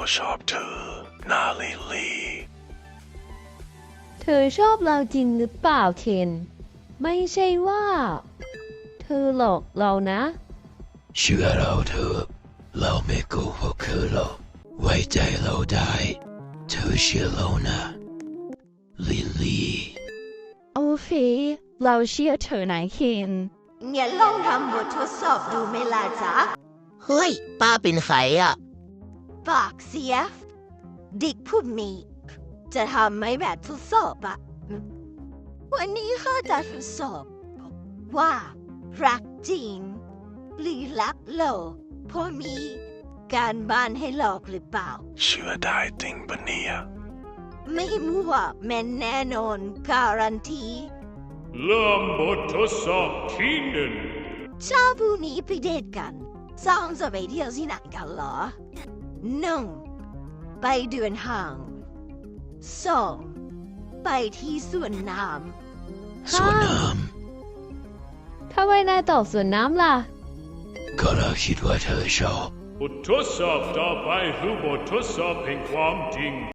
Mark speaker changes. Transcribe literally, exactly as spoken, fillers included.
Speaker 1: ชอบเธอนาลิลลี่
Speaker 2: เธอชอบเราจริงหรือเปล่าเคนไม่ใช่ว่า เธอหลอกเรานะ
Speaker 3: เชื่อเราเถอะเราไม่โกหกเธอหรอกไว้ใจเราได้เธอเชื่อเรานะลิลลี่
Speaker 2: โอเคเราเชื่อเธอนายเคน
Speaker 4: งั้นลองทำบททดสอบดูไหมล่ะจ๊ะ
Speaker 5: เฮ้ย ป้าเป็นใครอ่ะ
Speaker 4: ปากเสียเด็กผู้มีจะทำไหมแบบทดสอบอะวันนี้ข้าจะทดสอบ ว่ารักจริงหรือรักหลอกเพราะมีการบ้านให้หลอกหรือเปล่า
Speaker 1: เชื่อได้จริงปะเนี่ย
Speaker 4: ไม่มั่วแม่นแน่นอนการันตี
Speaker 6: เริ่มบททดสอบที่หนึ่ง
Speaker 4: เช้าพรุ่งนี้ไปเดทกันสองจะไปเที่ยวที่ไหนกันเหรอหนึ่งไปเดินห้างสองไปที่สวนน้
Speaker 3: ส่วนน้
Speaker 2: ทำไมนายตอบสวนน้ำล่ะ
Speaker 3: ำก็เราคิดว่าเธอชอบบ
Speaker 6: ททดสอบต่อไปคือบททดสอบแห่งความจริง